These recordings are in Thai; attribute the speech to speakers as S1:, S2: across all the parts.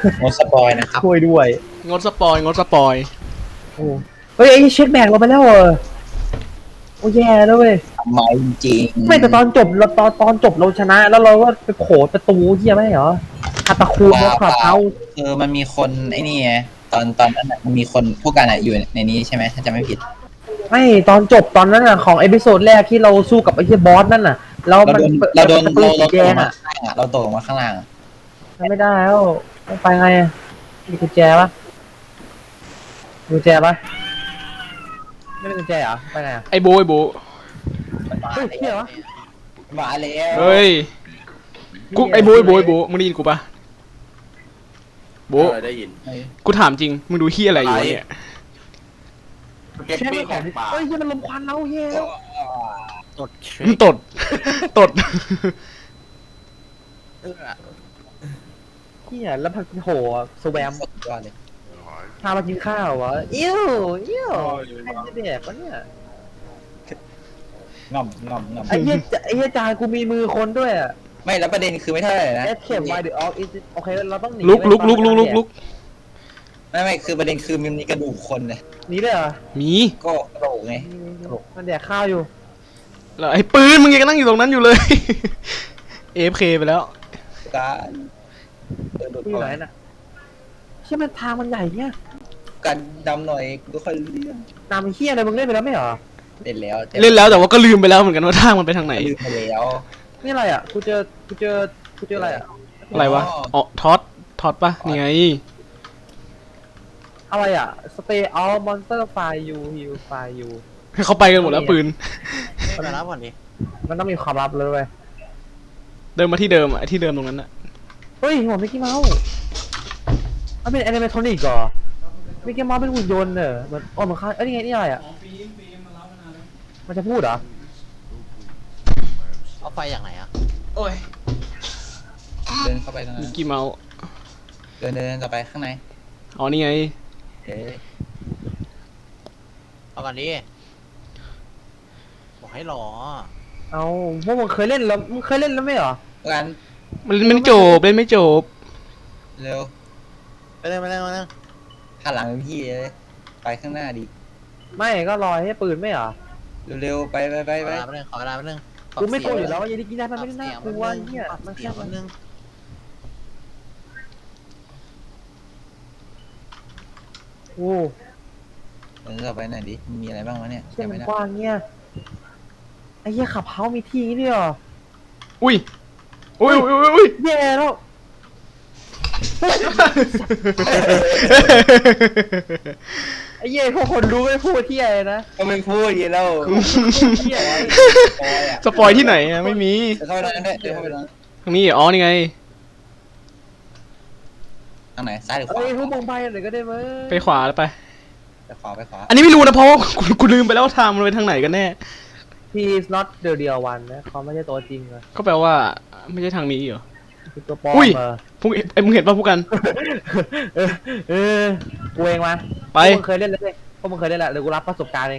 S1: งดสปอยนะครับ
S2: ช่วยด้วย
S3: งดสปอยงดสปอย
S2: โอ้เฮ้ยไอ้เช็คแบกเราไปแล้วเหรอโอ้แย่แล้วเว้ย
S1: ทำไมจริง
S2: ไม่แต่ตอนจบเราตอนจบเราชนะ แล้วเราก็ไปโขดประตูเฮียไม่เหรออัตะคูนแล้วขับเอา
S1: มันมีคนไอ้นี่ไงตอนนั้นมันมีคนผู้การอยู่ในนี้ใช่ไหมถ้าจำไม่ผิด
S2: ไม่ตอนจบตอนนั้นอ่ะของเอพิโซดแรกที่เราสู้กับไอ้เฮียบอสนั่นน่ะเราโดนปืนสีแดงอ่ะ
S1: เราตกมาข้างล่าง
S2: ไม่ได้แล้วต้องไปไงมีกุญแจปะกุญแจปะไม่มีกุญแจเหรอไปไหนอ่ะ
S3: ไอ้โบไอ้โบ
S2: เฮ้ยเฮียวะ
S1: มาแล้ว
S3: เฮ้ยกูไอ้โบไอ้โบไอ้โบมึงได้ยินกูปะโบ
S4: ได้ยิน
S3: กูถามจริงมึงดูเฮียอะไรอยู่เนี่ย
S2: ใช่ไหมของเฮ้ยมันลมควันเราเฮีย
S4: ตด
S3: ตดตด
S2: เฮียแล้วพักโหสแวม
S1: สุดยอดเลย
S2: พามากินข้าววะเอี้ยวใครจะแดกวะเนี่ย
S1: ง่อม
S2: ไอ้เหี้ยจานกูมีมือคนด้วยอ่ะ
S1: ไม่แล้วประเด็นคือไม่เท่าไหร่นะ
S2: โอเคเราต้องหนี
S3: ลุก
S1: ไม่คือประเด็นคือมันมีกระดูกคนเลย
S2: หนีเลยเหรอ
S3: มี
S1: ก็กระโหลกไง
S2: มันแดกข้าวอยู่
S3: แล้วไอ้ปืนมึงยังนั่งอยู่ตรงนั้นอยู่เลย AFK ไปแล้ว
S1: การ
S2: อยู่ไหนน่ะใช่ไหมทางมันใหญ่เนี่ย
S1: การดำหน่อยก็ค่อยเลี้ยง
S2: น้ำเฮียอะไรมึงเล่นไปแล้วไม่เหรอ
S1: เล่นแล้ว
S3: แต่ว่าก็ลืมไปแล้วเหมือนกันว่าทางมันไปทางไหน
S1: ลืมไปแล้ว
S2: นี่อะไรอ่ะกูเจออะไรอ่ะ
S3: อะไรวะอ๋อท็อตปะนี่ไง
S2: อะไรอ่ะ stay out monster fire you heal fire you
S3: เขาไปกันหมดแล้วปืน
S4: มารับก่อนดิ
S2: มันต้องมีความลับเลยเว้ย
S3: เดินมาที่เดิมที่เดิมตรงนั้นน่ะ
S2: เฮ้ยหัวมิกกี้เมาส์มันเป็นแอนิเมทรอนิกเหรอมิกกี้เมาส์เป็นหุ่นยนต์เหรอมันมันค่านี่ไงนี่อะไรอ่ะมันจะพูดเหรอ
S4: เอาไฟอย่างไหนอ่ะ
S3: โอ้ย
S1: เดินเข้าไปตรงนั้น
S3: มิกกี้เมาส์
S1: เดินต่อไปข้างใน
S3: อ๋อนี่ไง
S4: เอาก่อนดิบอกให้รอ
S2: เอาพวกมึงเคยเล่นแล้วไม่เหรอ
S1: กัน
S3: มันไม่จบเล่นไม่จบ
S1: เร็ว
S4: ไปเร็ว
S1: หันหลังพี่เลยไปข้างหน้าดิ
S2: ไม่ก็รอให้ปืนไม่เหรอ
S1: เร็วไป
S4: ขอเวลาไปนึง
S2: กูไม่กลัวอยู่แล้วยันกินได้มันไม่ได้น่ากลัวเนี่ยมันแค่นึงโอ้
S1: เดินต่อไปหน่อยดิมีอะไรบ้างวะเนี่ย
S2: เส้นมันกว้างเนี่ยไอ้เหี้ยขับเฮามีที่นี่เหรอ
S3: อุ้ย
S2: แย่แล้วไอ้เหี้ยพวกคนรู้ไม่พูดที่อะไรนะ
S1: ก็ไม่พูดยีแล้ว
S3: สปอยที่ไหนอะไม่มี
S1: เข้าไปนั่นได้เข้าไปนั่น
S3: ทางนี้อ๋อนี่ไง
S1: ทางไหนซ้ายหรือขวา
S2: พวกมองไปหน่อยก็ได้มั้ย
S3: ไปขวาแล้วไป
S1: ขวา
S3: อันนี้ไม่รู้นะเพราะว่ากูลืมไปแล้วทางมันไปทางไหนกันแน่
S2: He's not the real one นะเขาไม่ใช่ตัวจริงเลย
S3: ก็แปลว่าไม่ใช่ทางนี้เหรอ
S2: คือตัวปลอม
S3: มึงเห็นป่ะพวกกัน
S2: กูเองมา
S3: ไป
S2: มึงเคยเล่นแล้วเลยพวกมึงเคยเล่นแล้วเดี๋ยวกูรับประสบการณ์เอง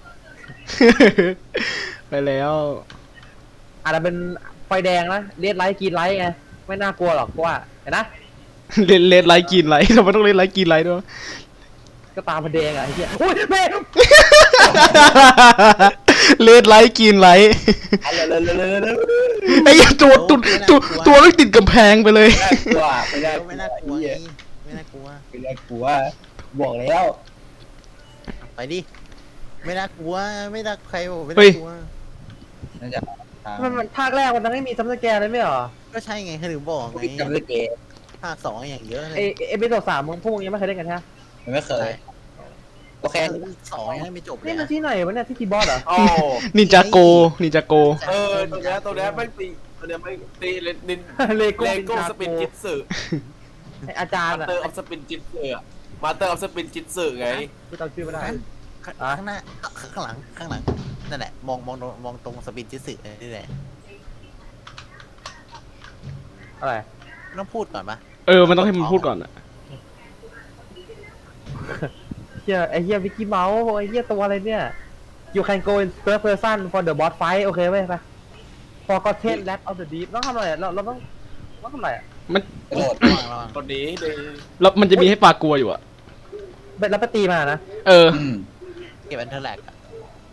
S3: ไปแล้ว
S2: อาจจะเป็นไฟแดงนะเลียดไลท์กินไลท์ไงไม่น่ากลัวหรอกว่าเห็นนะ
S3: เลดไลท์กินไลท์ทำไมต้องเลดไลท์กินไลท์ด้วย
S2: ก็ตามมันแดงอ่ะไอ้เหี้ยอุ้ยแม่
S3: เลดไลท์กินไลท์ไอ้ยัตัวไม่ติดกำแพงไปเลย
S4: ไม่น่ากลัวไม่น่ากลัว
S1: บอกแล้ว
S4: ไปดิไม่น่ากลัวไม่น่าใครบอกไม่น่ากลัว
S1: นั่นจะ
S2: มันภาคแรกมันไม่มีซัมเมอร์แกร์เลยไม่หรอ
S4: ก็ใช่ไงเขาถึงบอกไง
S1: ซัมเมอร์แกร์
S4: ภาค2อย่างเยอะเลย
S2: เอพิโซด3มึงพวกมึงยังไม่เคยเล่นกันใช่ไหม
S1: ไม่เคยโอเค
S4: 2ยังไม่จบเลย
S2: นี่มันที่ไหนวะเนี่ยที่ทีบอสเหรอ
S3: นินจาโก
S4: ตรง
S5: นี้ไม่ตีตัวนี้ไม่ตีเลโก้สปินจิตสึ
S2: อาจารย์
S5: มาเตอร์ออฟสปินจิตสึมาเตอร์ออฟสปินจิตสึไง
S2: กูจำชื่อไม่ได้
S4: ข้างหน้าข้างหลังนั่นแหละมองตรงสปินจิตสึนี่แหละ
S2: อะไร
S4: ต้องพูดก่อนปะ
S3: มันต้องให้มันพูดก่อนอะ
S2: ไอ้เหี้ยวิกกี้เมาส์ไอ้เหี้ยตัวอะไรเนี่ย You can go in third person for the boss fight โอเคไหมไป Forgotten Lab of the Deep ต้องทำอะไรเราต้องทำอะไร
S3: มัน
S1: กระโดด
S4: ระวังระวัง
S5: คนนี้ดี
S3: แล้วมันจะมีให้ปลากลัวอยู่อะ
S2: แล้วไปตีมานะ
S3: เออ
S1: อืม
S4: เก็บอันเทอร์แลกอะ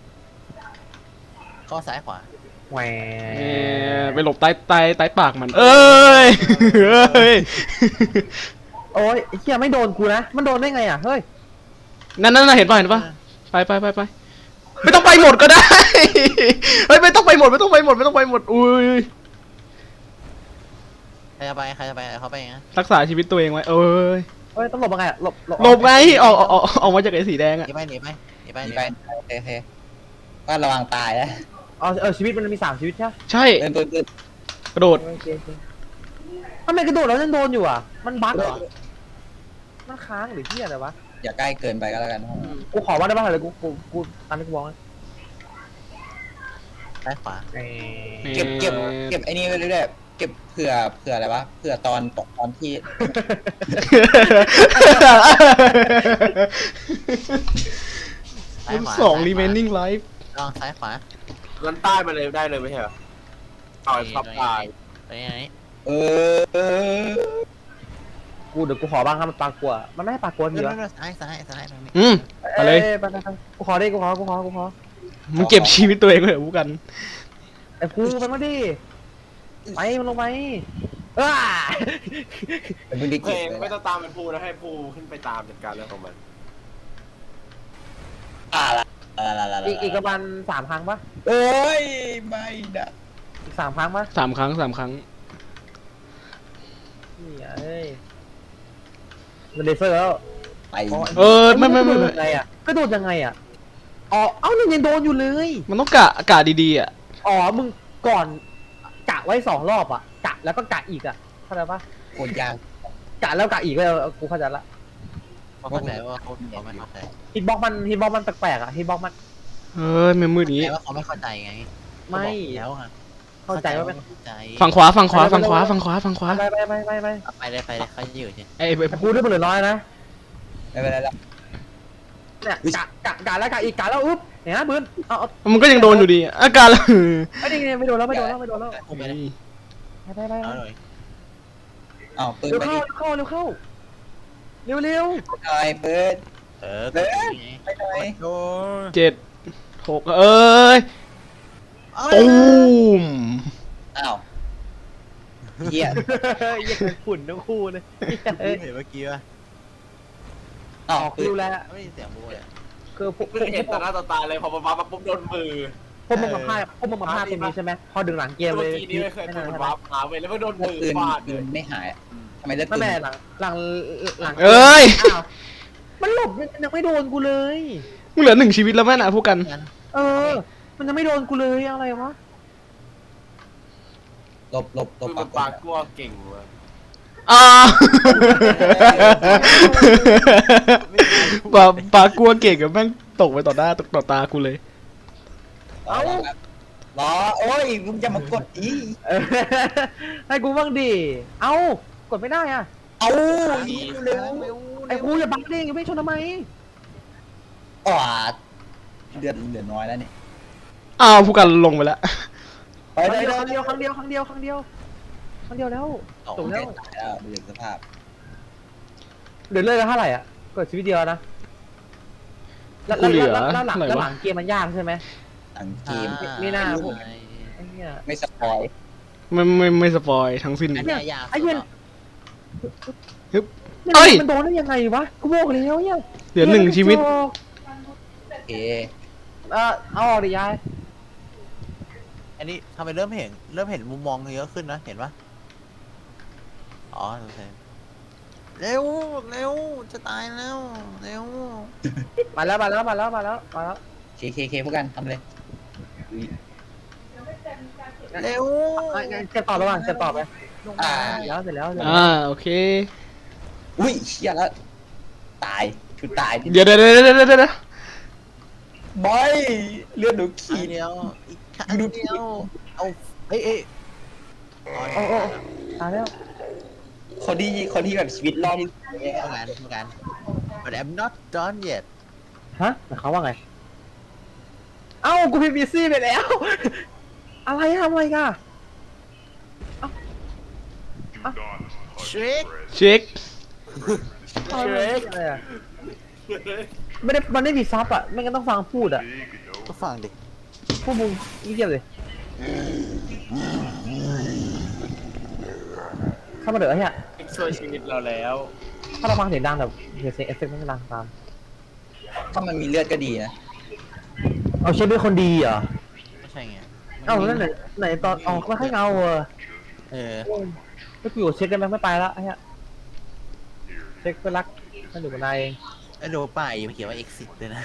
S4: ข้อซ้ายขวา
S2: แหว
S3: ไปหลบใต้ปากมัน เอ้ยเอ้ย
S2: โอ้ยไอ้เหี้ยไม่โดนกูนะมันโดนได้ไงอ่ะเฮ้ย
S3: นั่นเห็นป่ะไปไม่ต้องไปหมดก็ได้เฮ้ยไม่ต้องไปหมดอุ้ย
S4: ใครจะไปเขาไปนะ
S3: รักษาชีวิตตัวเองไว้เอ้ย
S2: เฮ้ยต้องหลบยังไงอ่ะหลบ
S3: หลบไงออกมาจากไอ้สีแดง
S4: ห
S3: อะ
S4: นีไป
S1: หนีไปโอเคก็ระวังตายนะ
S2: ชีวิตมันมี3 ชีวิตใช่ไหม
S3: ใช่
S1: ปืน
S3: กระโดด
S2: โอเคทำไมกระโดดแล้วยังโดนอยู่อ่ะมันบั๊กเหรอมันค้างหรือเหี้ยอะไรวะ
S1: อย่าใกล้เกินไปก็แล้วกัน
S2: กูขอว่าได้ป่ะเลยกูตามที่กูบอกนะ
S4: ซ้ายขวา
S1: เก็บไอ้นี่ไว้เรื่อยๆเก็บเผื่ออะไรวะเผื่อตอนที่
S4: ซ้ายขวา
S3: 2 remaining life
S4: ลองซ้ายขวา
S5: ลันใต้มาเลยได้เลยไม่ใช่เหรอต่อยทับตาย
S4: ตรงนี้
S1: เออ
S2: กูเดี๋ยวกูขอบ้างครับมันปลากลัวมันไม่ให้ปลากลัวทีวะ
S4: ซ้ายตรงนี้
S3: อืมไปเลย
S2: ไปกูขอดิกูขอ
S3: มึงเก็บชีวิตตัวเองไว้เหรอผู้กัน
S2: ไอ้กูมันมาดิไปมันลงไป
S1: เป็นพื้นที่
S5: เพล
S1: เก็บ
S5: ง
S1: เลย
S5: ไม่ต้องตามเป็นภูนะให้ภูขึ้นไปตามจัดการเรื่องของมัน
S2: อีกประมาณ3 ครั้งปะ
S1: โอ้ยไม่นะ
S2: อีก3 ครั้งปะ
S3: 3 ครั้ง
S2: นี่เอ้ยมันเลเซอร์แล้ว
S1: ไป
S3: ไม่
S2: กระโดดยังไงอ่ะกระโดดยังไงอ่ะอ๋อเอ้านี่ยังโดนอยู่เลย
S3: มันต้องกะดีๆอ่ะ
S2: อ๋อมึงก่อนกะไว้2 รอบอ่ะกะแล้วก็กะอีกอ่ะเข้าใจปะ
S1: โคตรยาก
S2: กะแล้วกะอีกก็กูเข้าใจละ
S4: เข้าใจว่าเขาไม่เข้าใจ
S2: ฮิตบ็อกมันแปลกๆอ่ะฮิตบ็อกมัน
S3: เฮ้ยมันมืดอย่างงี้
S4: แต่ว่าเขาไม่เข้าใจไง
S2: ไม่
S4: แล้วอะ
S2: เข้าใจว่าเป็น
S4: เข้าใจ
S3: ฝั่งขวา
S2: ไป
S3: ไปเลย
S4: เขาอยู่ใช่
S3: ไอ้
S2: กูได้เหลือน้อยนะ
S1: ไม่เป็นไรแล้ว
S2: เนี่ยกะแล้วกะอีกกะแล้วอุ๊บเนี่ยนะปืนเอา
S3: มันก็ยังโดนอยู่ดีอาการละ
S2: ไอ้นี่ไม่โดนแล้วไป
S4: กูไม่ได้เอาเลย
S1: อ้าวปืน
S2: เร็ว
S1: ไป
S2: เข้า
S1: ดิ
S2: เร็วเข้าเร็ว
S1: หน่อยปืน
S4: ก็ไง
S1: ไปหน่อย
S4: โอ้
S3: 7 6เอ้ยตูม
S1: อ้าวเหี้ย
S2: ยังฝุ่นทั้งคู่เลย
S4: เห็นเมื่อกี้ป่ะ
S1: อ้าว
S2: ออก
S1: ปื
S2: ดู
S1: น
S2: แล
S4: ไม่ได้เสียงบูเลย
S2: คือพวก
S5: เพิ่งเห็นต่อหน้าต่อตาเลยพอมาปุ๊บโดนมือ
S2: มึงมาพลาดตรงนี้ใช่ไหมพอดึงหลังเกม
S5: เมื่
S2: เล
S5: อย กี้นี้ไม่เคย
S2: ไม่
S5: โด
S2: นาน
S5: น
S2: ใช่ไหม
S5: วาร์ปหาเว้ยแล้วก็โดนมือ
S1: ปืน
S5: ฟาด
S1: ปื
S5: เลย
S1: นไม่หายทำไมเลือด
S2: ไม่
S1: ปืน
S2: แม่หลัง
S3: เอ้ย
S2: อ้าวมันหลบยังไม่โดนกูเลย
S3: มึงเหลือ1 ชีวิตแล้วแม่น่ะผู้กัน
S2: เออ มันยังไม่โดนกูเลยอะไรวะ
S1: หลบ
S5: คือมันปากกลัวเก่งว่ะ
S3: ปากลัวเก่งกับแม่งตกไปต่อตากูเลย
S1: เอารอโอ้ยมึงจะมากดอี
S2: ให้กูบ้างดิเอ้ากดไม่ได้อ่ะ
S1: เอาเร็ว
S2: ไอ้กูอย่าบังดิอย่าไม่ชนทำไม
S1: อ๋อเลือดเหลือน้อยแล้วนี่
S3: ผู้กันลงไปแล้ว
S1: ไปได้
S2: ครั้งเดียวแล้ว
S1: จบแล้วตายแล้วดูสภาพ
S2: เดือดเลือดกันเท่าไหร่อ่ะกดชีวิตเดียวนะแล้วหลังเกมมันยากใช่ไหม
S1: หลังเกม
S2: ไม่น่าพวก ไอ้เนี่ย
S1: ไม่สปอย
S3: ไม่สปอยทั้งสิ้น
S2: ไอ้เนี่ย
S4: ไอ้เหี้ย
S3: ฮึบ
S2: เนี่ย
S3: เอ้ย
S2: มันโดนได้ยังไงวะกูบอกแล้วเนี่ย
S3: เหลือ1 ชีวิต
S1: โอเค
S2: เอาออกดิยาย
S4: อันนี้ทำไมเริ่มเห็นมุมมองเยอะขึ้นนะเห็นปะอ๋อโอเคเร็วจะตายแล้วเร็ว
S2: มาแล้ว
S1: เคพวกกันทำเลย
S4: เร็ว
S2: เจ็บต่อระหว่างเจ็บต่อไปเสร็จแล้ว
S3: โอเค
S1: อุ้ยเชี่ยแล้วตายคือตาย
S3: เดี๋ยว
S1: บอยเลือดหนู
S4: ขี
S1: ขีด
S4: เดียวอีกครั้งเดียวเอาเอ้ย
S2: โอ้ตายแล้ว
S1: คนที่แบบชีวิตรอดที่
S4: เท่ากัน but I'm not done yet
S2: ฮะแต่เขาว่าไงเอ้ากูพิมพ์บีซี่ไปแล้วอะไรทำอะไรกัน
S4: เช็ค
S3: เช็ค
S2: อะไรอะไม่ได้มันไม่มีซับอ่ะไม่งั้นต้องฟังพูดอ่ะ
S4: ก็ฟังดิ
S2: พวกมึงเงียบเลยเข้ามาเดี๋ยวไอ้เนี่ย
S5: ช่วยชีวิตเราแล้ว
S2: ถ้าเราฟังเสียงดังแบบเสียงเอฟเฟกต์มันดังตาม
S1: ถ้ามันมีเลือดก็ดีนะ
S2: เอาเชฟเป็นคนดีเหรอ
S4: ไม่ใช่ไง
S2: เอ้าแล้วไหนตอนออกไม่ค่อยเงาเออ
S4: เออ
S2: ไม่กูอยู่เช็คได้ไหมไม่ไปละไอ้เนี่ยเช็คเพื่อนรักมันอยู่กับนายเอง
S4: ไอ้โดป้ายมันเขียนว่า exit เลยนะ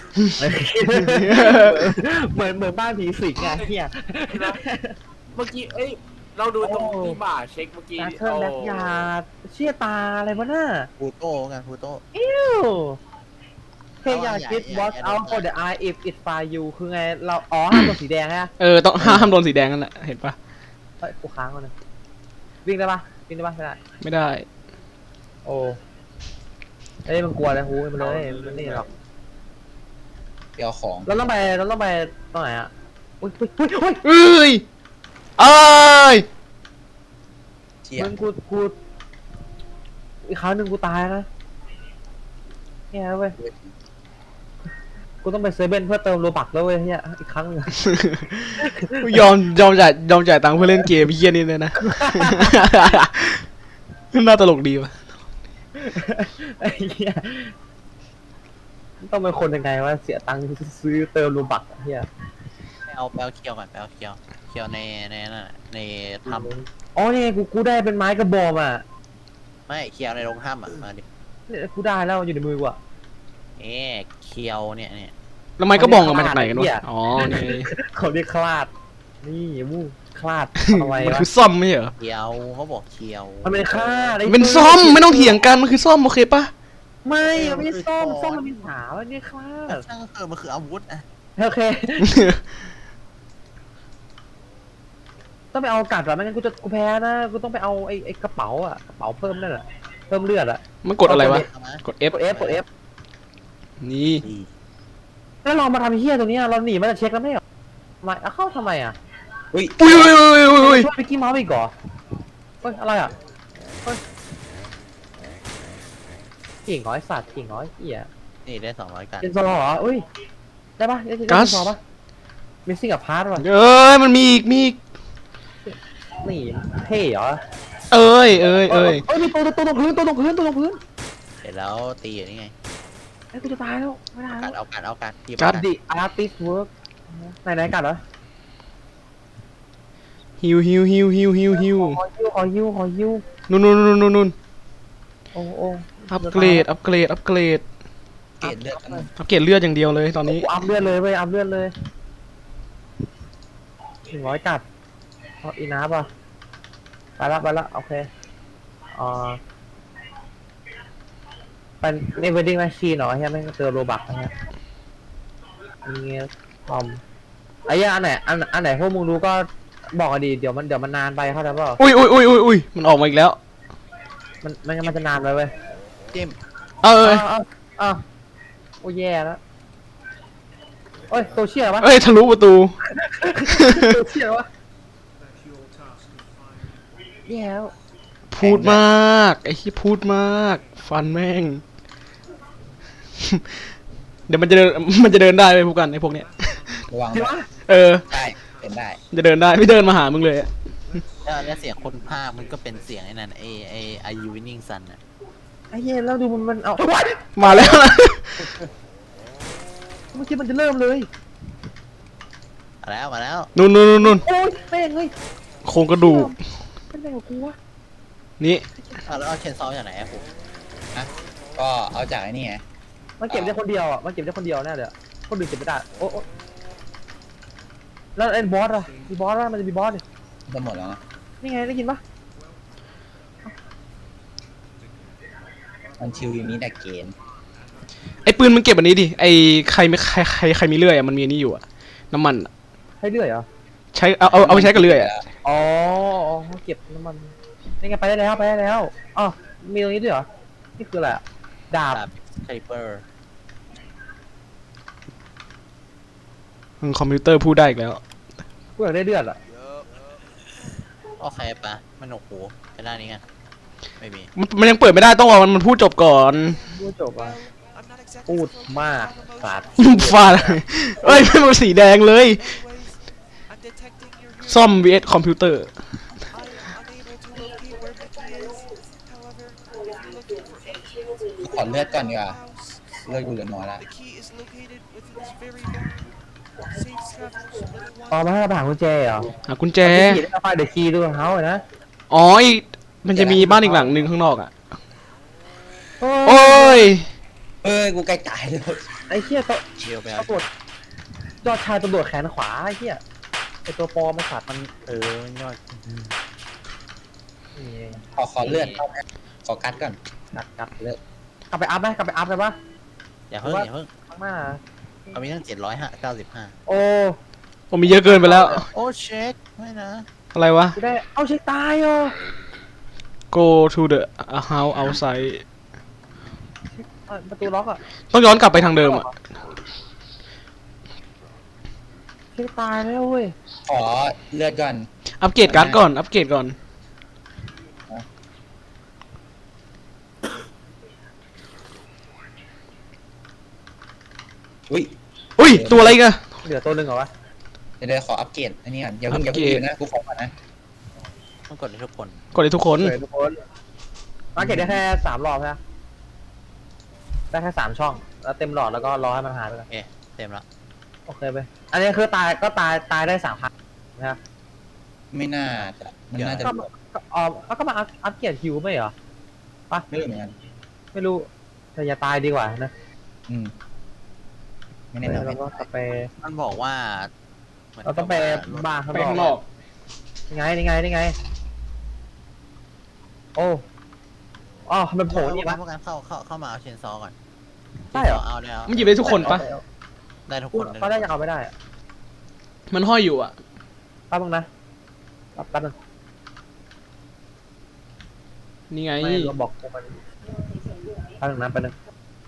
S2: เหมือนบ้านผีสิงไงเฮีย
S5: เมื่อกี้เราดูตรงที่บ่าเช็คเมื่อกี้
S2: นาเธอร์แบ็กยาร์ดเชี่ยตาอะไรวะน่ะ
S4: พูโต้กันพูโต้
S2: อิ้วเฮียอยากคิด watch out for the eye if it fire you คือไงเราอ๋อห้ามตัวสีแดงฮะ
S3: ต้องห้ามโดนสีแดงนั่นแหละเห็นปะ
S2: เฮ้ยกูค้างก่อนนะวิ่งได้ปะวิ่งได้ปะไม่ได้
S3: ไม่ได้
S2: โอ้เอ้ยมันกลัวเลยฮูมันเลยมันนี่หรอก
S1: เปียวของ
S2: เราต้องไปตรงไหนอ่ะอุ้ยอุ้ย
S3: เอ้ยเอ้ย
S1: เชี่ย
S2: มึงกูอีกครั้งหนึ่งกูตายนะเนี่ยเว้ยกูต้องไปเซเว่นเพื่อเติมโลบักแล้วเว้ยเนี่ยอีกครั้งหนึง
S3: ยอมจ่ายตังค์เพื่อเล่นเกมเฮี้ยนี่เลยนะ น่าตลกดีวะ
S2: ไอ้เหี้ยต้องเป็นคนยังไงวะเสียตังค์ซื้อเติมโลบักเฮีย
S4: ไปเอาเคียวก่อนไปเอาเคียวในนั่นน่ะในถ้
S2: อ๋อนี่กูได้เป็นไม้กระบอกอ่ะ
S4: ำไม่เคียวในโรงถ้ำอ่ะมาดิ
S2: เนี่ยกูได้แล้วอยู่ในมือกูอ่ะ
S4: เคียวเนี่ย
S3: แล้วไม้ก็บองออกมาจากไหนกันวะ อ๋อ นี่
S2: เขาเรียกคลาดนี่มูคลาดทำไม
S3: มัน
S2: วะ
S3: คือซ่อมไม่ใช่เหรอ
S4: เคียวเขาบอกเคียว
S2: มันเป็นคลาดไ
S3: เป็นซ่อมไม่ต้องเถียงกันมันคือซ่อมโอเคปะ
S2: ไม่มันไม่ใช่ส้มมันมีหาว่านี่คลาด
S4: ช่างก็คือมันคืออาวุธอ่ะ
S2: โอเค ต้องไปเอากัดเหรอไม่งั้นกูแพ้นะกูต้องไปเอาไอ้กระเป๋าอ่ะกระเป๋าเพิ่มนั่นแหละเพิ่มเลือดอ่ะ
S3: มันกดอะไรวะ
S4: เอามาก
S3: ด F
S2: กด F
S3: นี่
S4: ดี
S2: แล้วเรามาทำเฮี้ยตัวเนี้ยเราหนีมาจากเช็คแล้วไม่เหรอทำไมเข้าทำไมอ่ะ
S1: อุ้ย
S3: อุ้ย
S2: ช่วยไปกี้เมาส์อีกเหรอเฮ้ยอะไรอ่ะเฮ้ยกิ่งน้อยสัตว์กิ่งน้อยเหี้ย
S4: นี่ได้200กัน
S2: เป็นซอเหรออุ้ยได้ปะได้เป็นซอปะมิสซิ่งกับพาร์ทว่ะ
S3: เอ้ยมันมีอีก
S2: นี่เท่เหรอ
S3: เอ้ย
S2: เอ้ยมีตัวตรงพื้น
S4: เสร็จแล้วตีอยู่นี่ไง
S2: ไอ้กูจะตายแล้วไม่ได้แล้ว
S4: เอากัดที
S3: กัด
S2: The artist work ไหนกัดเหรอ
S3: ฮิว
S2: ขอฮิว
S3: นู่น
S2: โอ้
S3: อัปเกรด
S1: เกรดเลือดกัน
S3: อัปเกรดเลือดอย่างเดียวเลยตอนนี้
S2: กูอัพเลือดเลยเว้ยอัพเลือดเลย100กัดเอาอีนาป่ะไปละโอเคเป็นในเวดดิ้งแมชชีนเหรอใช่ไหมเจอโรบักนะฮะนี่ทอมไอ้ย่าอันไหนพวกมึงรู้ก็บอกกันดีเดี๋ยวมันนานไปเข้าใจเปล่า
S3: อุ้ยมันออกมาอีกแล้ว
S2: มันจะนานไปเว้ย
S4: จิ้ม
S3: เอ้ย
S2: อ้าวโอ้แย่แล้วโอ้ยโซเชียลวะ
S3: เอ้ยทะลุประตู
S2: โซเชียลวะแย่แล้ว
S3: พูดมากไอ้ที่พูดมากฟันแม่ง เดี๋ยวมันจะเดินได้ไปพวกกันไอ้พวกเนี้ย
S1: ระวัง
S2: จริง
S1: ด้วย
S2: วะ
S1: ได้เป็นได้
S3: จะเดินได้ไม่เดินมาหามึงเลยอะ
S4: แล้วเสียงคนภาคมันก็เป็นเสียงไอ้นั่นไอยูวินนิ่งซันอ่ะ
S2: ไอ้เหี้ยแล้วดูมันเอา
S3: มาแล้วนะ
S2: เมื่อกี้มันจะเริ่มเลย
S4: มาแล้ว
S3: นู่น
S2: โอ้ยแม่งเลย
S3: โครงกระดูก
S2: เป็นไงกับกูวะ
S3: นี่
S4: แล้วเอาเชนซอลจากไหนอะผม
S1: ก็เอาจากไอ้นี่ไง
S2: มันเก็บได้คนเดียวอ่ะมันเก็บได้คนเดียวแน่เลยคนอื่นเก็บไม่ได้โอ้แล้วไอ้บอสอ่ะมีบอสอ่ะมันจะมีบอสดิ
S1: จะหมดแล้วนะ
S2: นี่ไงได้ยินปะ
S1: มันชิวอยู่นี้แต่เกณฑ์
S3: ไอ้ปืนมันเก็บอันนี้ดิไอ้ใครมีเลื่อยอะมันมีอันนี้อยู่อะน้ำมันอะ
S2: ให้เรื่อยเหรอ
S3: ใช้เอาไปใช้กับเลื่อยอะ
S2: อ๋อเก็บน้ำมันนี่ไงไปได้แล้วอ๋อมีตรงนี้ด้วยเหรอนี่คืออะไรดาบ
S4: คาลิเปอร์
S3: คอมพิวเตอร์พูดได้อีกแล้ว
S2: กูอยากได้เลือดอ่ะ
S4: โอเคปะมันโอ้โหไปด้านนี้กันไม่มี
S3: มันยังเปิดไม่ได้ต้องรอมันพูดจบก่อน
S2: พูดจบอ่ะพูดมากสัตว์
S3: ฟาดเอ้ยไม่มันสีแดงเลย ซ่อม vs คอมพิวเตอร์
S1: ขอเลือดก่อนดีกว่าเลือดกูเหลือน้อยละ
S2: อ๋อมาให้เราไปหากุญแจเหรอ
S3: หากุญแจ
S2: ขี่ได้ก็ไปเดี๋ยวขี่ดูของเขาเลยนะ
S3: อ๋อมันจะมีบ้านอีกหลังหนึ่งข้างนอกอ่ะ
S2: โอ้
S3: โอ้ย
S1: กูใกล้ตายแล้ว
S2: ไอ้เหี้ยตัว
S4: เดียวไปเอา
S2: ตำรวจยอดชายตำรวจแขนขวาไอ้เหี้ยไอ้ตัวปลอมมันสัตว์มัน
S4: ยอด
S2: นี่
S1: ขอเลือดขอกัดก่อน
S2: กัดเลยกลับไปอัพไหมกลับไปอัพเลยปะ
S4: อย่าเพิ่งอย่าเพิ่ง
S2: ข้างหน้า
S4: เขามีตั้ง795
S2: โอ้
S3: ผมมีเยอะเกินไปแล้ว
S4: โอ้เช็คไม่นะ
S3: อะไรวะ
S2: กูได้เอาเช็คตายเหรอ
S3: go to the house outside
S2: ประตูล็อกอ่ะ
S3: ต้องย้อนกลับไปทางเดิมอ่ะ
S2: เช็คตายแล้วเว้ย
S1: ขอเลือดก่อน
S3: อัปเกรดการ์ดก่อน อัปเกรดก่อน
S1: อุ้ย
S3: อุ้ย ตัวอะไรกัน
S2: เหลือตัวหนึ่งเหรอวะ
S1: เดี๋ยวขออัปเกรดอันนี้ก่อนอย่าเพิ่งอยู่นะกูขอก่อนนะ
S4: ต้องกดให้ทุกคน
S3: กดเลยทุกคน
S2: เหลือทุกคนมาเก็ตได้แค่3 รอบใช่ไหมได้แค่3 ช่องแล้วเต็มหลอดแล้วก็รอให้มันหายไปก่อน
S4: เต็มแล้ว
S2: โอเคไปอันนี้คือตายได้3 ครั้งนะครับ
S1: ไม่น่าจะมันน่าจะ
S2: ก็มาอัพเกียร์ฮิวไม่เหรอ
S1: ไม่รู้เหมือนกัน
S2: ไม่รู้แต่อย่าตายดีกว่านะ
S1: ไม่แน่นอน
S2: เราก็กลับไป
S4: มันบอกว่าหมืน
S2: เราต้องไป
S4: กับว่
S2: บ้านข้าง
S3: ไป
S2: น
S3: ข้างน
S2: อ
S3: อก ก
S2: นี่ไงโอ้อ๋อมันโผล่นี่
S4: พ
S2: ปะ
S4: วกกันเข้ามาเอาเชนซอก่อน
S2: ใช่เหรอ
S4: เอาได้แล้ว
S3: มันหยิบได้ทุกคนปะ
S4: ได้ทุก
S2: พู
S4: ค
S2: ด
S4: น
S2: เขาได้ยังเอาไม่ได้อะ
S3: มันห้อยอยู่อ่ะ
S2: แป๊บนึงนะแป๊บนึง
S3: นี่ไง
S2: ไม่เราบอกมันแป๊บนึงนะแป๊บนึง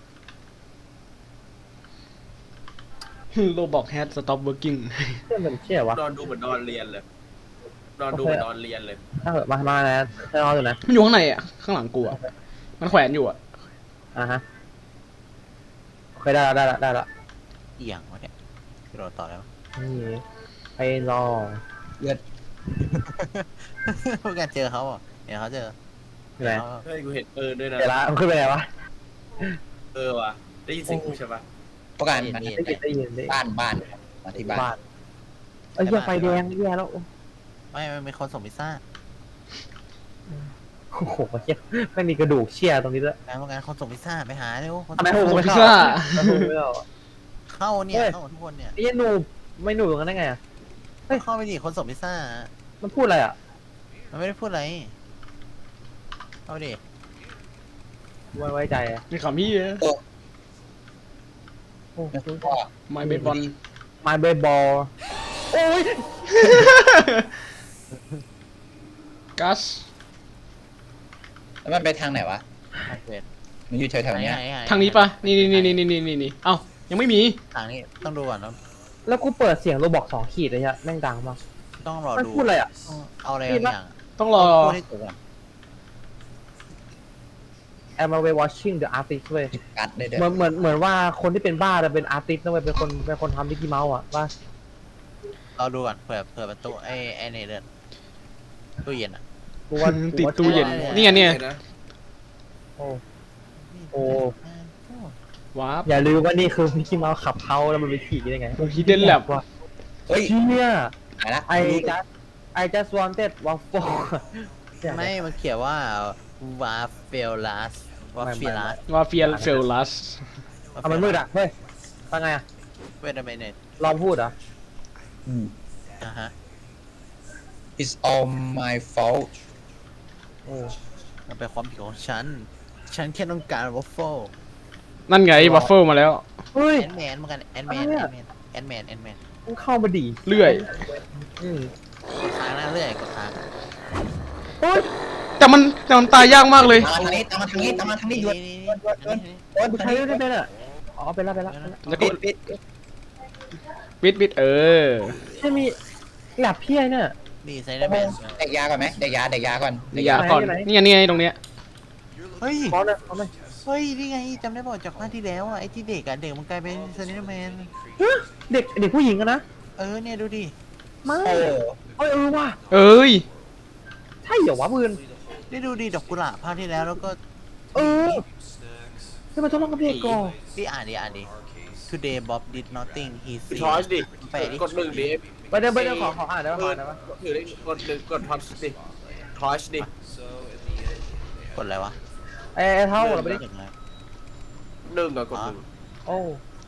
S3: โลบอก has stop working
S2: เชื่อมันเชื่อวะ
S5: นอนดูเหมือนนอนเรียนเลยนอนดูเหมือนนอนเรียนเลย
S2: ถ้าเกิดมาแล้วให้รออยู่นะ
S3: มันอยู่ข้างในอ่ะ ข้างหลังกูอ่ะ มันแขวนอยู่อ่ะ
S2: ฮะโอเคได้ละ
S4: เอียงวะเนี่ยกระโดดต่อแล้ว
S2: นี่ไปรอ
S4: พวกกันเจอเขาอ่ะเห็นเขาเจอ
S2: อยู่ไหน
S5: เฮ้ยกูเห็นปืนด้วยนะ
S2: เดี๋ยวละมันขึ้นไปไหนวะ
S5: ว่ะได้ยินเสียงกูใช่ปะ
S1: ประกัน
S4: เห็น
S1: มัน
S4: เห็น
S2: ได้ยิน
S1: บ้านมาที่บ้าน
S2: บ้านเอ้ยเหี้ยไฟแดงแย่แล้ว
S4: ไม่มีคนส่งพิซซ่า
S2: โอ้โหเชี่ยไม่มีกระดูกเชี่ยตรงนี้ด้วย
S4: พวกกันคนส่งพิซซ่าไปหาเร็วคน
S2: ทำไมโห
S3: ส่ง
S2: ไม่
S3: พิซ
S2: เข้า
S3: ซ่า
S2: ทำไมไม่เข้า
S4: เข้าเนี่ย
S2: เฮ้ย
S4: เข้าทุกคนเนี่ย
S2: ไอ้ยันหนูไม่หนูอย่างนั้นได้ไงอะ
S4: เข้าไปดิคนส่งพิซซ่า
S2: มันพูดอะไรอ่ะ
S4: มันไม่ได้พูดอะไรเข้าไปดิ
S2: ไว้ใจอ่ะ
S3: มีคำพี่
S2: โอ้
S1: แล้วก็
S3: my baseball
S2: มาเบย์บอลโอ้ย
S3: กัส
S1: แล้วมันไปทางไหนวะ
S4: เวท
S1: มันอยู่แถวๆเนี้ย
S3: ทางนี้ปะนี่เอ้า ยังไม่มี
S4: ทางนี้ต้องดูก่อนนะ
S2: แล้วกูเปิดเสียงโรบอก2 ขีดเลยฮะแม่งดังมาก
S4: ต้องรอ
S2: มัน
S4: ดู
S2: พูดอะไรอ่ะ
S4: เอาอะไรบางอย่าง
S3: ต้องรอ
S4: พูดให้จบก่อน
S2: I'm away watching the artist เว้ย
S1: กัดได้เด้อ
S2: เหมือนว่าคนที่เป็นบ้าจะเป็นอาร์ติสต์นะเว้ยเป็นคนทำมิกกี้เมาส์อ่ะว่า
S4: เราดูก่อนเผื่อประตูไอ้นี่เดินตู้เย็นอ่ะ
S2: กูว่า
S3: ติดตู้เย็น
S2: กูว่า
S3: นี่ไงเนี่ย
S2: โอ้ โอ้
S3: วาร์ป
S2: อย่าลืมว่านี่คือมิกกี้เมาส์ขับเขาแล้วมันไปขี่ได้ไง
S3: Hidden Lab
S2: ว่ะ
S1: เฮ้ย
S2: เชี่ย
S1: หายละ
S2: I just wanted waffle
S4: ไม่มันเขียนว่าวาเฟลลัสวาฟิลัส
S3: วาเฟียเฟลลัส
S2: เอามันมืดอ่ะ เฮ้ยว่าไงอ่ะ
S4: เวทเมเนต
S2: ลองพูดเหรอ
S4: ฮะ
S1: It's all my fault
S2: โอ้
S4: มันเป็นความผิดของฉันแค่ต้องการวอฟเฟิล
S3: นั่นไงวัฟเฟิลมาแล้ว
S2: เฮ้ย
S4: แอนแมนเหมือนกันแอนแมน
S2: อะไร
S4: แอ
S2: อะ
S4: นแมน
S2: มึงเข้ามาดิ
S3: เลื่อย
S2: อืม
S4: ค้างหน้าเรื่อยกดค้าง
S2: โอ้ย
S3: แต่มันตายยากมากเลย
S1: ตามมาทางนี้หยุด
S2: กูใช้ได้เป็นอ่ะ อ๋อเป็นแล้ว
S3: แล้วก็
S1: ปิด
S3: ปิดเออ
S2: ใช่มีแลบพี่ไอ้เนี่ย
S4: ดีไซเดอร์แมน
S1: เด็กยาก่อนไหมเด็กยาก่อน
S3: เดี๋ยวยาก่อนนี่ไงตรงเนี้ย
S4: เฮ้ย
S2: ขอเลยขอเลย
S4: เฮ้ยนี่ไงจำได้บอกจากภาคที่แล้วอ่ะไอ้ที่เด็กอ่ะเด็กมันกลายเป็นไซเดอร์แมน
S2: เด็กผู้หญิงอะนะ
S4: เนี่ยดูดิ
S2: ไม่
S1: โอ้
S2: เอ้ยว่ะ
S3: เอ้ย
S2: ใช่เหรอวะปืน
S4: ได้ดูดิดอกกุหลาบภาคที่แล้วแล้วก็
S2: ที่มันทดลองกับเด็กก่อน
S4: พี่อ่านดิ Today Bob did nothing he
S5: ทอช
S4: said
S5: ดิ
S4: แปะดิ
S5: กดหนึ่งดิ
S2: ไปเดี๋ยวขออ่านได้ป่ะได้ป่ะ
S5: ถือได้กดหนึ่งกดทอชดิทอชดิ
S4: กดอะไรวะ
S2: ไอ้เท่าเราไปดิ
S4: ถึงอะไร
S5: หนึ่งอะกดหนึ่ง
S2: โอ้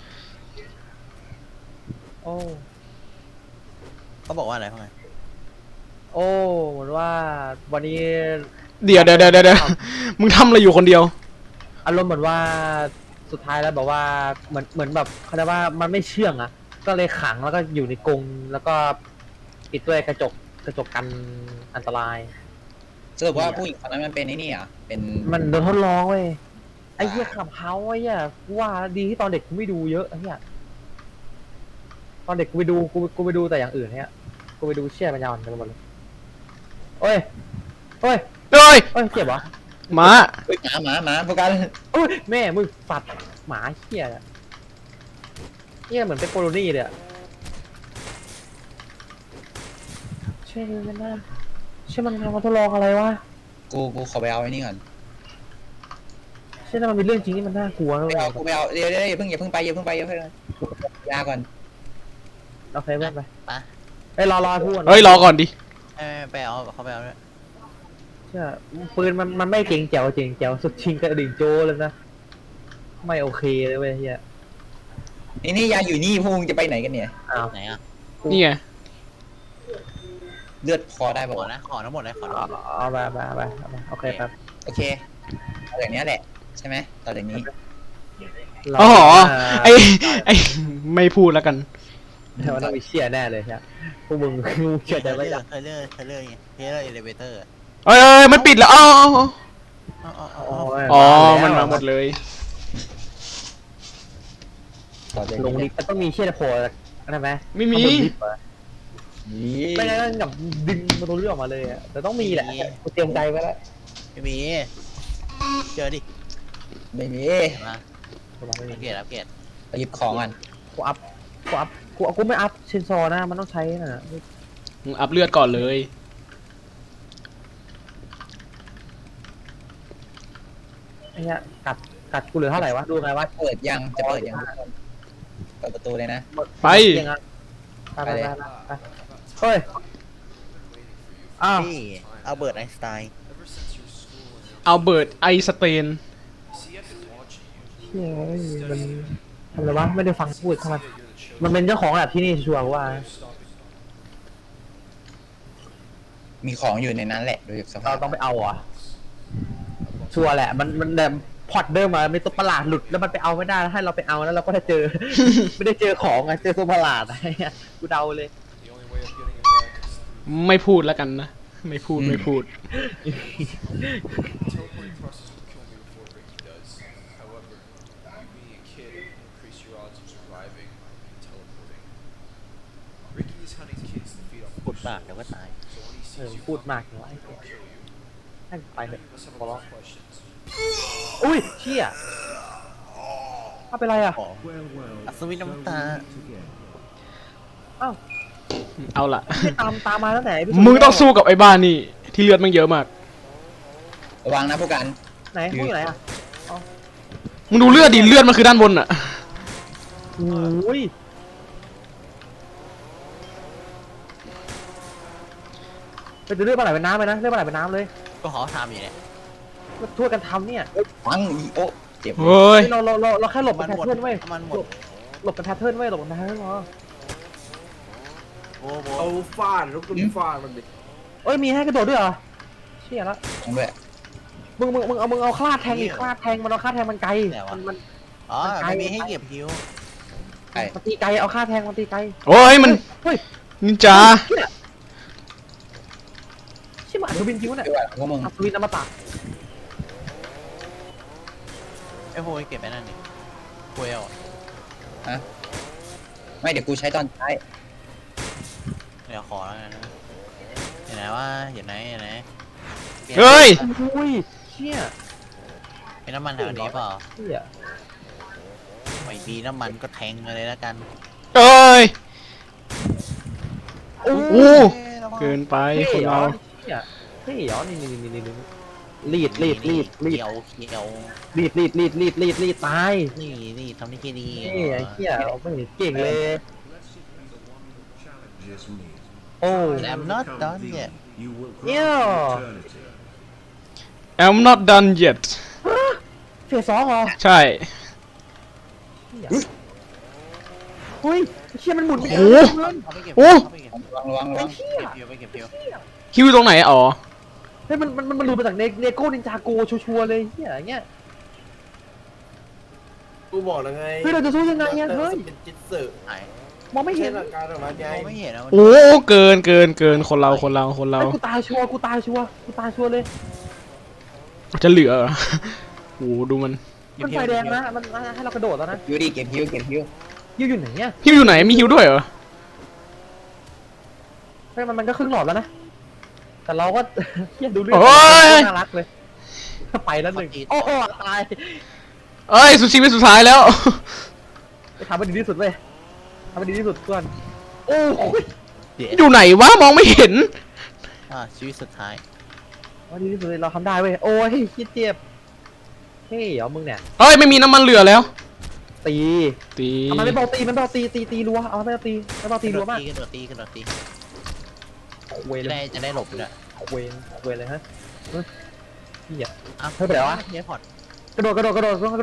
S2: โอ้
S4: เขาบอกว่าอะไรพ่อไง
S2: โอ้เหมือนว่าวันนี้
S3: เดี๋ยวมึงทำอะไรอยู่คนเดียว
S2: อารมณ์เหมือนว่าสุดท้ายแล้วแบบว่าเหมือนแบบเขาเรียกว่ามันไม่เชื่องอ่ะ ก็เลยขังแล้วก็อยู่ในกรงแล้วก็ปิดด้วยกระจกกันอันตราย
S1: สรุปว่าผู้หญิงคนนั้นมันเป็นไอ้นี่เหรอเป็น
S2: มันโดนทดลองเว้ยไอ้เหี้ยขับเฮาไอ้เหี้ยกูว่าดีที่ตอนเด็กกูไม่ดูเยอะไอ้เหี้ยตอนเด็กกูไปดูแต่อย่างอื่นเนี่ยกูไปดูเชี่ยปัญญาอ่อนกันหมดเลยโอ้ย
S3: เอ้ย
S2: เจ็บเหรอ
S3: หมา
S1: เฮ้ยหมาพวกกัน
S2: โอ้ยแม่มึงสัตว์หมาเหี้ยอะเหี้ยเหมือนเป็นโคโลนี่เลยอะเชื่อมันนะเชื่อมันทำมาทดลองอะไรวะ
S1: กูขอไปเอาไอ้นี่ก่อน
S2: เชื่อมันเป็นเรื่องจริงที่มันน่ากลัวนะ
S1: ไป
S2: เว้ย
S1: เอากูไปเอาเดี๋ยวอย่าเพิ่งไปยาก่อน
S2: เราเคยเว้นไป
S4: ไป
S2: ไอ้ยรอพูด
S3: เฮ้ยรอก่อนดิ
S4: ไปเอาเขาไปเอาด้วย
S2: เชื่อปืนมันไม่เก่งแจ๋วสุดชิงกระดิ่งโจเลยนะไม่โอเคเลยเว้ยเฮีย
S1: นี่ยาอยู่นี่พวกมึงจะไปไหนกันเนี่ย
S2: อ้าว
S4: ไหนอ่ะ
S3: นี่ไง
S1: เลือดพอได้
S4: ข
S1: ป่า
S4: อ
S1: วะ
S4: นะขอทั้งหมดเลยขอทั้งหมด
S2: เอาไปโอเคครับ
S1: โอเคเอาอย่างนี้แหละใช่ไหมต่อจากนี้
S3: อ๋อไอไม่พูดแล้วกัน
S2: แต่ว่าต้องมีเชี่ยแน่เลยใช่พวกมึงเชื่อใจไม่ได้
S4: เทเลอร์เอเลเวเตอร์
S3: เอ้ยมันปิดแล้วอ๋อ
S2: อ๋อ
S3: มันมาหมดเลย
S1: ต่อจาก
S2: ลง
S1: นี้
S2: ลิฟต์มันต้องมีเชี่ยโผล่อะไรไหม
S3: ไม่มี
S1: นี่
S2: ไม่งั้นกับดึงประตูเลื่อนออกมาเลยอะแต่ต้องมีแหละกูเตรียมใจไว้แล้ว
S4: ไม่มีเจอดิ
S1: ไม่มี
S4: มา
S2: ไม่มี
S4: อัปเกรด
S1: ไปหยิบของกัน
S2: กูไม่อัพเชนซอนะมันต้องใช้น่ะ
S3: มึงอัพเลือดก่อนเลย
S2: ไอ้เนี้ยกัดกูเหลือเท่าไหร่วะดูไงวะ
S1: จะเปิดยังทุกคนเปิดประตูเลยนะ
S3: ไป
S2: ยังไงไปเฮ้ยอ้าว
S4: นี่เอาเบิร์ตไอน์สไตน์
S3: เอาเบิร์ดไอสเตน
S2: เฮ้ยมันทำอะไรวะไม่ได้ฟังพูดทำไมมันเป็นเจ้าของแบบที่นี่ชัวร์ว่า
S1: มีของอยู่ในนั้นแหละโดยสภา
S2: เรา
S1: พ
S2: ต้องไปเอาอ่ะชัวร์แหละมันแบบพอดเดิมมาไม่ตัวประหลาดหลุดแล้วมันไปเอาไม่ได้แล้วให้เราไปเอาแล้วเราก็ได้เจอ ไม่ได้เจอของอะเจอตัวประหลาดอะไรเงี้ยกูเดาเลย
S3: ไม่พูดแล้วกันนะ ไม่พูด
S6: Teleporting process will kill me before Ricky does. However, you being a kid will increase your odds of surviving and teleporting. Ricky is hunting kids to feed off
S4: ปุด
S6: of
S4: ปาก
S6: their
S4: เดี๋ยวก็ตาย
S6: so when he
S2: เออ
S6: sees you
S2: พูด
S6: coming,
S2: มากเลย
S6: he'll kill you.
S2: ให้ไปเถอะ
S6: Many of us have
S2: ขอ
S6: a
S2: ร้อ
S6: lot
S2: ง
S6: of questions.
S2: อุ้ยเชี่ยเอาไปไรอ่ะ
S4: ของอัศวินน้ำตา
S2: อ้าว
S3: เอาละ
S2: ไม่ตามมาตั้งแต่
S3: มึงต้องสู้กับไอ้บ้านนี่ ที่เลือดมันเยอะมาก
S1: ระวังนะพวกกัน
S2: ไหนพวกอยู่ไหนอ่ะ
S3: มึงดูเลือดดิ เลือดมันคือด้านบนอะ
S2: โอ้ยไปดูเลือดปลาไหลเป็นน้ำไปนะเลือดปลาไหลเป็นน้ำเลย
S4: ก็ขอทำอยู่เนี่ย
S2: มาช่วยกันทำเนี่ย
S1: ฟังอีโอเจ็บ
S3: เฮ้ย
S2: เราแค่หลบ
S4: มั
S2: กัน
S4: น
S2: แพท
S4: หมด
S2: เทิร์นเว้ย
S4: มันหมด
S2: หลบกันแพทเทิร์นเว้ยหลบกันแพทเทิร์นพอ
S4: โอ้โห
S5: เอาฟาดแล้วก็ฟาดมันดิ
S2: เอ้ยมีให้กระโดดด้วยเหรอเชี่ยละ
S1: ด้วย
S2: มึงเอาคลาดแทงอีกคลาดแทงมันเอาคลาดแทงมันไกลมัน
S4: อ๋อไม่มีให้เก็บฮิว
S1: ไอ้
S2: มันตีไกลเอาคลาดแทงมันตีไกล
S3: โอ้ยมัน
S2: เฮ้ย
S3: นินจา
S2: เชี่ยมันอัศวินจริงวะเนี่ย
S1: ด้วยพวกมึง
S2: อัศวินอมตะ
S4: ไอ้โหยเก็บไปนั่นนี่โวยเอา
S1: ไม่เดี๋ยวกูใช้ตอนท้าย
S4: เดี๋ยวขอแล้วกันนะอยู่ไหนวะอยู่ไหนอยู่ไหน
S3: เฮ้ย
S2: อุ้ยเชี่ย
S4: มีน้ำมันแถวนี้เปล่า
S2: เชี่ย
S4: ไม่มีน้ำมันก็แทงเลยแล้วกัน
S3: เอ้ย
S2: โอ้
S3: โอ้
S2: ย
S3: เกินไป
S2: เท่
S3: คน
S2: เหร
S3: เรา
S2: อเชี่ยเท่เหรอนี่รีด
S4: เขียวเขียว
S2: รีดตาย
S4: นี่ทำนี่แค่ดี
S2: นี่ไอ้เชี่ยไม่เห็นเก่งเลย
S7: Challenges me.
S2: โอ้
S4: แอม not done yet
S7: You will
S2: Yeah.
S7: grant me eternity.
S3: I'm not done yet
S2: เฟส2เหรอ
S3: ใช่
S2: เฮ้ยเชี่ยมันหมุนไป
S3: โอ้
S2: เย
S3: โห
S2: อะ
S4: เอาไปเก็บ
S3: โอ้
S4: เอาไปเก็บ
S1: ระวัง
S4: เก็บไปเก็บเพียว
S3: คิวตรงไหนอ๋อ
S2: เฮ้ยมันหลุดมาจากเนโก้นินจาโกชัวร์เลยเฮียอย่างเงี้ย
S5: กูบอกแล้วไง
S2: เฮ้ยเราจะสู้ยังไงอะเฮ้ย
S5: เป็นจิตสึ
S4: ไหน
S2: มองไม่
S5: ไม่
S2: เห็
S5: ใช่
S2: น
S5: หลักการออกมาไง
S4: มองไม่เห็นนะ
S3: โอ้เกินคนเรา
S2: ไอ้กูตายชัวร์เลย
S3: จะเหลือเหรอโอ้ดูมัน
S2: มันไฟแดงนะมันให้เรากระโดดแล้วนะ
S1: ฮิวดิเก็บฮิว
S2: ยูอยู่ไหนเนี่ย
S3: ฮิวอยู่ไหนมีฮิวด้วยเหรอ
S2: เฮ้ยมันก็ครึ่งหลอดแล้วนะแต่เราก็ เฮียดูเรื่อง
S3: โอ้ย
S2: น่ารักเลยไปแล้วหนึ่งโอ้โหตาย
S3: เอ้ยสุดชีวิตสุดท้ายแล้ว
S2: ไปทำให้ดีที่สุดเว้ยทำให้ดีที่สุดก่อนโอ้ย
S3: อยู่ไหนวะมองไม่เห็น
S4: ชีวิตสุดท้าย
S2: ทำดีที่สุดเลยเราทำได้เว้ยโอ้ยคิดเจ็บเฮ้ยเหรอมึงเนี่ย
S3: เอ้ยไม่มีน้ำมันเหลือแล้ว
S2: ตี
S3: ตี
S2: เอามันไม่เบาตีมันเบาตีรัวเอามันไม่เบาตีไม่เบาตีรัวมาก
S4: กระโดดตี
S2: เวย
S4: จะ
S2: เล
S4: ได้
S2: ย
S4: จะได้หลบด้วย
S2: เวยเลยฮะพี่อ่ะ
S4: อ่ะ
S2: เฮ้ยไปไหนวะ
S4: เฮียพอร์ต
S2: กระโดด
S3: กระโด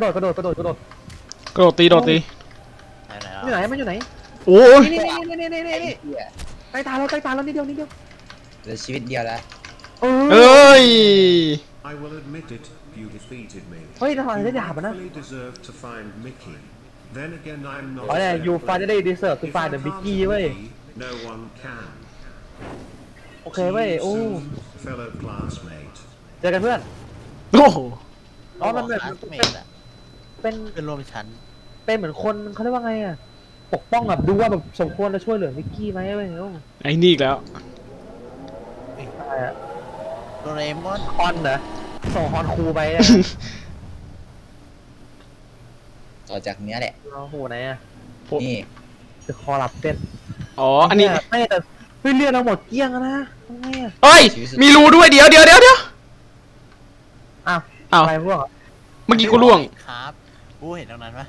S3: ดตี
S4: ไหน
S2: อยู่ไหนมันอยู่ไหน
S3: โอ้ย
S2: นี่
S1: ไอ้เหี้ย
S2: ใกล้ตายแล้วนิดเดียว
S1: เหลือชีวิตเดียวแล้ว
S2: เอ
S3: เอ้ย
S7: I will admit it, you defeated me.
S2: เฮ้ยทำไมได้ดาบอ่ะนะ
S7: Fully deserve to find Mickey. Then again, I'm not.
S2: อ๋อเนี่ย you finally deserve to
S7: If
S2: find
S7: you
S2: the
S7: can't
S2: Mickey
S7: beat
S2: เว้ย
S7: me, no one can.
S2: โอเคเว้ย โอ้
S7: See you soon, fellow classmate.
S2: เจอกันเพื่อน
S3: โอ้โห
S2: อ๋อมันแบบ
S4: เมดอะ
S2: เป็น
S4: เพื่อนร่วมชั้น
S2: เป็นเหมือนคนเขาเรียกว่าไงอ่ะปกป้องแบบดูว่าแบบสมควรจะช่วยเหลือมิกกี้ไหมเว้ยโอ้
S3: ไอ้นี่อีกแล้ว
S2: อะไรอะ
S4: โดเรมอน
S2: ฮอนเหรอส่งฮอนครูไปอะ
S1: ต่อจากเนี้ยแหละ
S2: โอ้โหไหนอ่ะ
S1: นี่
S2: จะคอหลับเต้น
S3: อ๋ออันนี้
S2: ไม่แต่เฮ้ยเลือดเราหมดเกลี้ยงแล้วนะทำไงอ่ะ
S3: เอ้ยมีรูด้วยเดี๋ยว
S2: อ้าว
S3: อ้าว
S2: อะไรพวก
S3: เมื่อกี้กูล่วง
S4: ครับกูเห็นตรงนั้นปะ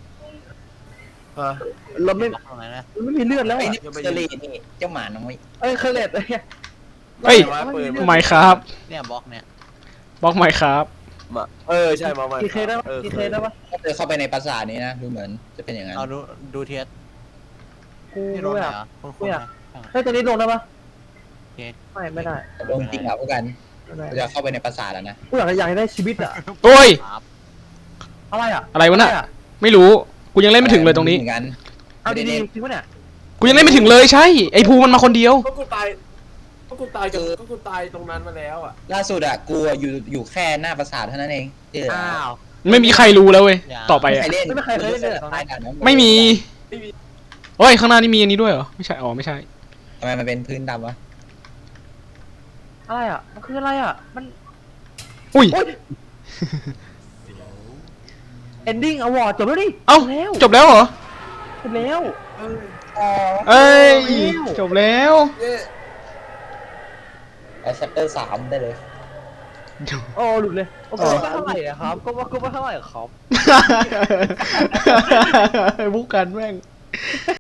S2: เราไม่
S4: ตรงนั้นนะ
S2: ไม่มีเลือดแล้ว
S1: ไอ้
S2: อ่ะ
S1: นี่เจอรี่นี่เจ้าหมาน้อย
S2: เอ้ยเคยเลดเอ้ย
S3: เฮ้ย ไม่ครับ
S4: เนี่ยบล็อกเนี่ย
S3: บล็อกไม่ครับ
S5: มาใช่มา
S2: ทีเคได้ปะทีเคได้ปะ
S1: ถ้าเจอเข้าไปในปราสาทนี้นะดูเหมือนจะเป็นอย่างนั้น
S4: เอาดูเทียส
S2: กู
S4: ที่รถ
S2: ไม่
S4: ไหน
S2: อยาก
S4: อ่ะคุณ
S2: ไม่อยาก
S4: นะ
S2: เฮ้ยตัวนี้ลงได้ปะ
S4: โอเค
S2: ไม่ได้
S1: ลงจริงเหรอพวกกัน
S2: ไม่ได้
S1: เราจะเข้าไปในปราสาทแล้วนะ
S2: กูอยากได้ชีวิตอ่ะ
S3: โอ้ย
S4: ครับ
S2: อะไรอ่ะ
S3: อะไรวะน่ะ ไม่รู้ กูยังเล่นไม่ถึงเลยตรงนี้
S1: เหมือนกัน
S2: เอาดีๆจริงปะเนี่ย
S3: กูยังเล่นไม่ถึงเลยใช่ ไอ้ภูมันมาคนเดียว
S5: ก็กูตายตรงนั้นมาแล้วอ่ะ
S1: ล่าสุดอะกูอะอยู่แค่หน้าปราสาทเท่านั้นเองที่เหลือ
S2: อ้าว
S3: ไม่มีใครรู้แล้วเว้ย ต่อไป
S1: ไม่
S3: อ่ะ
S1: ใครเล่น
S2: ไม่มีใครเล่นเลยเหรอ
S1: ใต้ด่านนั้น
S3: ไม่มีเฮ้ย ข้างหน้านี่มีอันนี้ด้วยเหรอ ไม่ใช่ อ๋อ ไม่ใช่
S1: ทำไมมันเป็นพื้นดำวะ
S2: อะไรอ่ะมันคืออะไรอ่ะมัน
S3: อุ้ย
S2: ending award จบแล้วดิ
S3: เอ้า
S2: แล้ว
S3: จบแล้วเหรอ
S2: จบแล้ว
S3: เอ้ย จบแล้ว
S1: เอาชัปเตอร์3ได้เลย
S2: โอ้หลุดเลยโอ้ก็ไม่เท่าไหร่อะครับก็ไม่เท่าไหร่อะครับ
S3: บุกกันแม่ง